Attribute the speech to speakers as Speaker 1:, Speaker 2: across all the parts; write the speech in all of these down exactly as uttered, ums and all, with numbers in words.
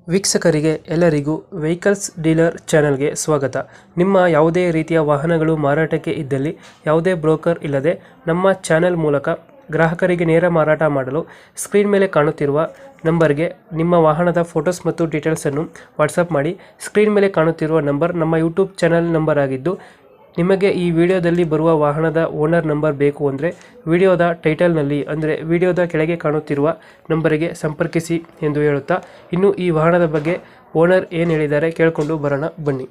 Speaker 1: ವೀಕ್ಷಕರಿಗೆ ಎಲ್ಲರಿಗೂ vehicles dealer ಚಾನೆಲ್ಗೆ ಸ್ವಾಗತ. ನಿಮ್ಮ ಯಾವುದೇ ರೀತಿಯ ವಾಹನಗಳು ಮಾರಾಟಕ್ಕೆ ಇದ್ದಲ್ಲಿ ಯಾವುದೇ ಬ್ರೋಕರ್ ಇಲ್ಲದೆ ನಮ್ಮ ಚಾನೆಲ್ ಮೂಲಕ ಗ್ರಾಹಕರಿಗೆ ನೇರ ಮಾರಾಟ ಮಾಡಲು ಸ್ಕ್ರೀನ್ ಮೇಲೆ ಕಾಣುತ್ತಿರುವ ನಂಬರ್ಗೆ ನಿಮ್ಮ ವಾಹನದ ಫೋಟೋಸ್ ಮತ್ತು ಡೀಟೇಲ್ಸನ್ನು ವಾಟ್ಸಪ್ ಮಾಡಿ. ಸ್ಕ್ರೀನ್ ಮೇಲೆ ಕಾಣುತ್ತಿರುವ ನಂಬರ್ ನಮ್ಮ ಯೂಟ್ಯೂಬ್ ಚಾನೆಲ್ ನಂಬರ್ ಆಗಿದ್ದು, ನಿಮಗೆ ಈ ವಿಡಿಯೋದಲ್ಲಿ ಬರುವ ವಾಹನದ ಓನರ್ ನಂಬರ್ ಬೇಕು ಅಂದರೆ ವಿಡಿಯೋದ ಟೈಟಲ್ನಲ್ಲಿ ಅಂದರೆ ವಿಡಿಯೋದ ಕೆಳಗೆ ಕಾಣುತ್ತಿರುವ ನಂಬರಿಗೆ ಸಂಪರ್ಕಿಸಿ ಎಂದು ಹೇಳುತ್ತಾ, ಇನ್ನು ಈ ವಾಹನದ ಬಗ್ಗೆ ಓನರ್ ಏನು ಹೇಳಿದ್ದಾರೆ ಕೇಳಿಕೊಂಡು ಬರೋಣ ಬನ್ನಿ.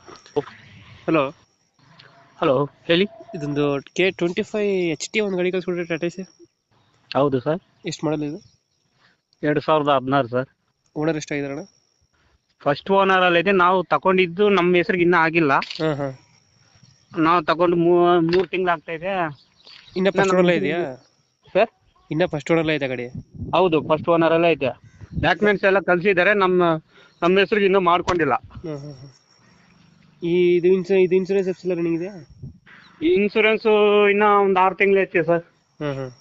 Speaker 1: ಹಲೋ
Speaker 2: ಹಲೋ ಹೇಳಿ.
Speaker 1: ಇದೊಂದು K twenty five H T ಒಂದು ಗಾಡಿ ಕಳಿಸ್ಕೊಡ್ರಿ ಟಾಟಾ ಸಿ.
Speaker 2: ಹೌದು ಸರ್.
Speaker 1: ಎಷ್ಟು ಮಾಡಲ್ ಇದು?
Speaker 2: ಎರಡು ಸಾವಿರದ ಹದಿನಾರು ಸರ್.
Speaker 1: ಓನರ್ ಎಷ್ಟಾಗಿದಾರಣ?
Speaker 2: ಫಸ್ಟ್ ಓನರ್ ಅಲ್ಲಿ ಇದೆ. ನಾವು ತಗೊಂಡಿದ್ದು ನಮ್ಮ ಹೆಸರಿಗೆ ಇನ್ನೂ ಆಗಿಲ್ಲ.
Speaker 1: ಹಾಂ ಹಾಂ
Speaker 2: ನಾವು ತಗೊಂಡು ಮೂರು ತಿಂಗಳು ಆಗ್ತಾ ಇದೆ.
Speaker 1: ಇನ್ನ ಫಸ್ಟ್ ಓನರ್ ಇದೆಯಾ
Speaker 2: ಸರ್?
Speaker 1: ಇನ್ನ ಫಸ್ಟ್ ಓನರ್ ಇದೆ ಗಾಡಿ?
Speaker 2: ಹೌದು, ಫಸ್ಟ್ ಓನರ್ ಎಲ್ಲ ಇದೆ. ಡಾಕ್ಯುಮೆಂಟ್ಸ್ ಎಲ್ಲ ಕಳ್ಸಿದ್ದಾರೆ. ನಮ್ಮ ನಮ್ಮ ಹೆಸರಿಗೆ ಇನ್ನೂ ಮಾಡ್ಕೊಂಡಿಲ್ಲ.
Speaker 1: ಹಾಂ ಹಾಂ ಹಾಂ ಈ ಇದು ಇನ್ಸೂ ಇದು ಇನ್ಸೂರೆನ್ಸ್ ಎಫ್ಸಿಲ್ಲ ರನ್ನಿಂಗ್ ಇದೆಯಾ?
Speaker 2: ಈ ಇನ್ಸೂರೆನ್ಸು ಇನ್ನೂ ಒಂದು ಆರು ತಿಂಗಳು ಐತೆ ಸರ್.
Speaker 1: ಹಾಂ ಹಾಂ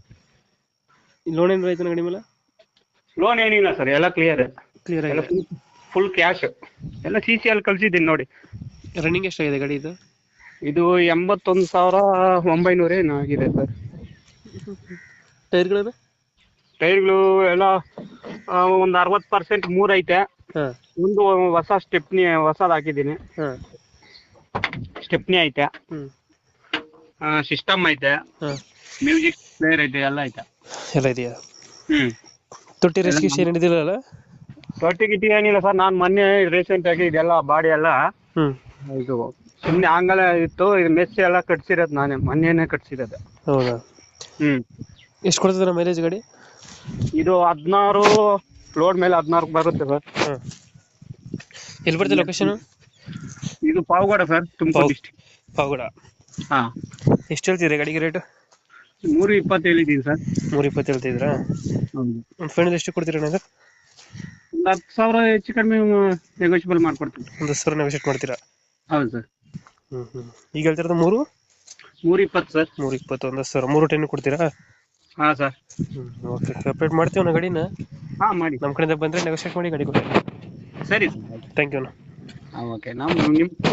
Speaker 1: ಲೋನ್ ಏನಾರ ಆಯ್ತಾನ ಗಾಡಿ ಮೇಲೆ?
Speaker 2: ಲೋನ್ ಏನಿಲ್ಲ ಸರ್, ಎಲ್ಲ ಕ್ಲಿಯರ್
Speaker 1: ಕ್ಲಿಯರ್
Speaker 2: ಎಲ್ಲ
Speaker 1: ಆಗಿದೆ.
Speaker 2: ಫುಲ್ ಕ್ಯಾಶ್ ಎಲ್ಲ ಸಿ ಸಿ ಅಲ್ಲಿ ಕಳ್ಸಿದ್ದೀನಿ ನೋಡಿ.
Speaker 1: ರನ್ನಿಂಗ್ ಎಷ್ಟಾಗಿದೆ ಗಾಡಿ ಇದು?
Speaker 2: ಇದು ಎಂಬತ್ತೊಂದು ಸಾವಿರ ಒಂಬೈನೂರ ಏನೋ ಆಗಿದೆ ಸರ್.
Speaker 1: ಟೈರ್ಗಳು?
Speaker 2: ಟೈರ್ಗಳು ಎಲ್ಲ ಒಂದು ಅರವತ್ತು ಪರ್ಸೆಂಟ್ ಮೂರು ಐತೆ.
Speaker 1: ಹಾಂ
Speaker 2: ಒಂದು ಹೊಸ ಸ್ಟೆಪ್ನಿ ಹೊಸದು ಹಾಕಿದ್ದೀನಿ.
Speaker 1: ಹಾಂ
Speaker 2: ಸ್ಟೆಪ್ನಿ ಐತೆ,
Speaker 1: ಹ್ಞೂ
Speaker 2: ಸಿಸ್ಟಮ್ ಐತೆ,
Speaker 1: ಹಾಂ
Speaker 2: ಮ್ಯೂಸಿಕ್ ಪ್ಲೇಯರ್ ಐತೆ, ಎಲ್ಲ ಐತೆ.
Speaker 1: ಎಲ್ಲ ಇದೆಯಾ?
Speaker 2: ಹ್ಮ್
Speaker 1: ತೊಟ್ಟಿ ರೆಸ್ಕ್ಯೂ ಏನು ಹಿಡಿದಿಲ್ಲ?
Speaker 2: ತೊಟ್ಟಿ ಗಿಟ್ಟಿ ಏನಿಲ್ಲ ಸರ್. ನಾನು ಮೊನ್ನೆ ರೀಸೆಂಟ್ ಆಗಿ ಇದೆಲ್ಲ ಬಾಡಿ ಎಲ್ಲ
Speaker 1: ಹ್ಞೂ
Speaker 2: ಇದು ಸುಮ್ಮನೆ ಆಂಗಲ ಇತ್ತು. ಇದು ಮೆಸ್ ಎಲ್ಲ ಕಟ್ಸಿರೋದು ನಾನೇ, ಮೊನ್ನೆನೇ ಕಟ್ಸಿರೋದು.
Speaker 1: ಹೌದಾ?
Speaker 2: ಹ್ಮ್
Speaker 1: ಎಷ್ಟು ಕೊಡ್ತದೆ ಮೈಲೇಜ್ ಗಾಡಿ?
Speaker 2: ಇದು ಹದಿನಾರು ಲೋಡ್ ಮೇಲೆ ಹದಿನಾರು ಬರುತ್ತೆ ಸರ್.
Speaker 1: ಹಾಂ ಎಲ್ಲಿ ಬರ್ತದೆ ಲೊಕೇಶನ್?
Speaker 2: ಇದು ಪಾವಗಡ ಸರ್, ತುಮಕೂರು ಡಿಸ್ಟಿಕ್.
Speaker 1: ಪಾವಗಡ.
Speaker 2: ಹಾಂ.
Speaker 1: ಎಷ್ಟು ಹೇಳ್ತೀರಿ ಗಾಡಿಗೆ ರೇಟ್?
Speaker 2: ಮೂರು ಇಪ್ಪತ್ತು ಹೇಳಿದ್ದೀನಿ ಸರ್.
Speaker 1: ಮೂರು ಇಪ್ಪತ್ತು ಹೇಳ್ತಿದ್ರಾ?
Speaker 2: ಹೌದು.
Speaker 1: ಒಂದು ಫೈನಲ್ ಎಷ್ಟು ಕೊಡ್ತೀರಾ ಅಣ್ಣ?
Speaker 2: ಒಂದು ಹತ್ತು ಸಾವಿರ ಹೆಚ್ಚು ಕಡಿಮೆ ನೆಗೋಷಿಯಬಲ್ ಮಾಡ್ಕೊಡ್ತೀನಿ.
Speaker 1: ಒಂದು ಹತ್ತು ಸಾವಿರ ನೆಗೋಷಿಯೇಟ್ ಮಾಡ್ತೀರಾ?
Speaker 2: ಹೌದು ಸರ್.
Speaker 1: ಹ್ಞೂ ಹ್ಞೂ ಈಗ ಹೇಳ್ತಿರೋದು ಮೂರು
Speaker 2: ಮೂರು ಇಪ್ಪತ್ತು ಸರ್.
Speaker 1: ಮೂರು ಇಪ್ಪತ್ತು ಒಂದು ಹತ್ತು ಸಾವಿರ ಮೂರು ಟೆನ್ ಕೊಡ್ತೀರಾ?
Speaker 2: ಹಾಂ ಸರ್.
Speaker 1: ಹ್ಞೂ ಓಕೆ, ಅಪ್ಡೇಟ್ ಮಾಡ್ತೀವಿ ಅಣ್ಣ ಗಾಡಿನ.
Speaker 2: ಹಾಂ ಮಾಡಿ.
Speaker 1: ನಮ್ಮ ಕಡೆಯಿಂದ ಬಂದರೆ ನೆಗೋಷಿಯೇಟ್ ಮಾಡಿ ಗಾಡಿ ಕೊಡಿ.
Speaker 2: ಸರಿ
Speaker 1: ಥ್ಯಾಂಕ್ ಯು ಅಣ್ಣ.
Speaker 2: ಹಾಂ ಓಕೆ. ನಾವು ನಿಮ್ಮ